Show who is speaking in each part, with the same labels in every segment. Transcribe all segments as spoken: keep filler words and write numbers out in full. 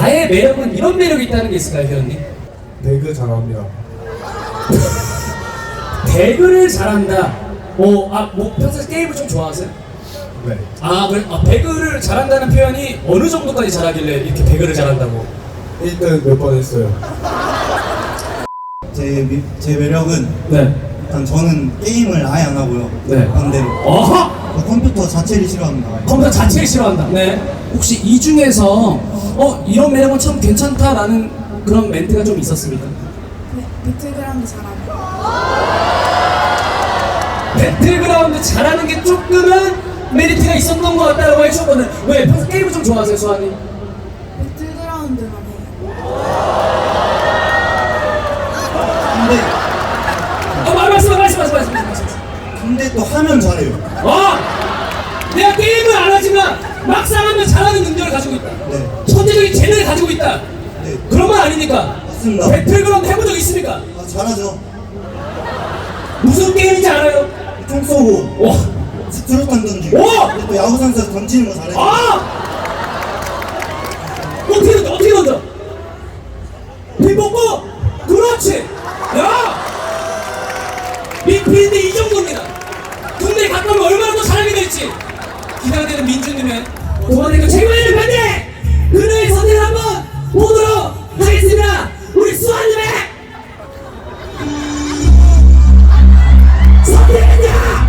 Speaker 1: 나의 매력은 이런 매력이 있다는 게 있을까요, 회원님?
Speaker 2: 배그 잘합니다.
Speaker 1: 배그를 잘한다. 어, 아, 뭐 평소에 게임을 좀 좋아하세요?
Speaker 2: 네.
Speaker 1: 아, 그래? 아, 배그를 잘한다는 표현이 어느 정도까지 잘하길래 이렇게 배그를 잘한다고?
Speaker 2: 일 등 몇 번 했어요.
Speaker 3: 제, 미, 제 매력은
Speaker 1: 네.
Speaker 3: 일단 저는 게임을 아예 안 하고요.
Speaker 1: 네.
Speaker 3: 반대로
Speaker 1: 어허!
Speaker 3: 컴퓨터 자체를 싫어합니다. 아예.
Speaker 1: 컴퓨터 자체를 싫어한다. 네. 혹시 이 중에서 어 이런 매력은 참 괜찮다라는 그런 멘트가 좀 있었습니까?
Speaker 4: 네, 배틀그라운드 잘하고
Speaker 1: 배틀그라운드 잘하는 게 조금은 메리트가 있었던 것 같다고 해주셨거든. 왜? 평소 게임을 좀 좋아하세요, 수아님?
Speaker 4: 배틀그라운드만 해요.
Speaker 3: 근데
Speaker 1: 어, 말 말씀, 말씀, 말씀, 말씀, 말씀.
Speaker 3: 근데 또 하면 잘해요.
Speaker 1: 어! 내가 게임을 안 하지만 막상 하면 잘하는 능력을 가지고 있다.
Speaker 3: 네.
Speaker 1: 천재적인 재능을 가지고 있다.
Speaker 3: 네.
Speaker 1: 그런 건 아니니까.
Speaker 3: 맞습니다.
Speaker 1: 배틀그라운드 해본 적 있습니까?
Speaker 3: 아, 잘하죠.
Speaker 1: 무슨 게임인지 알아요?
Speaker 3: 총 쏘고
Speaker 1: 와!
Speaker 3: 스트로탄 던지고
Speaker 1: 오!
Speaker 3: 근데 또 야구 선수에서 던지는 거 잘해요.
Speaker 1: 아! 어떻게 던져? 어떻게 던져? 빈 뽑고! 그렇지! 야! 미피인데 이 정도입니다. 군대 갔다 오면 얼마나 더 잘하게 될지 기대가 되는 민주님의 도와내고 최고의 편대! 그녀의 선택을 한번 보도록 하겠습니다. 우리 수아님의 선택은요!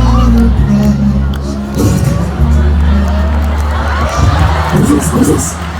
Speaker 1: This is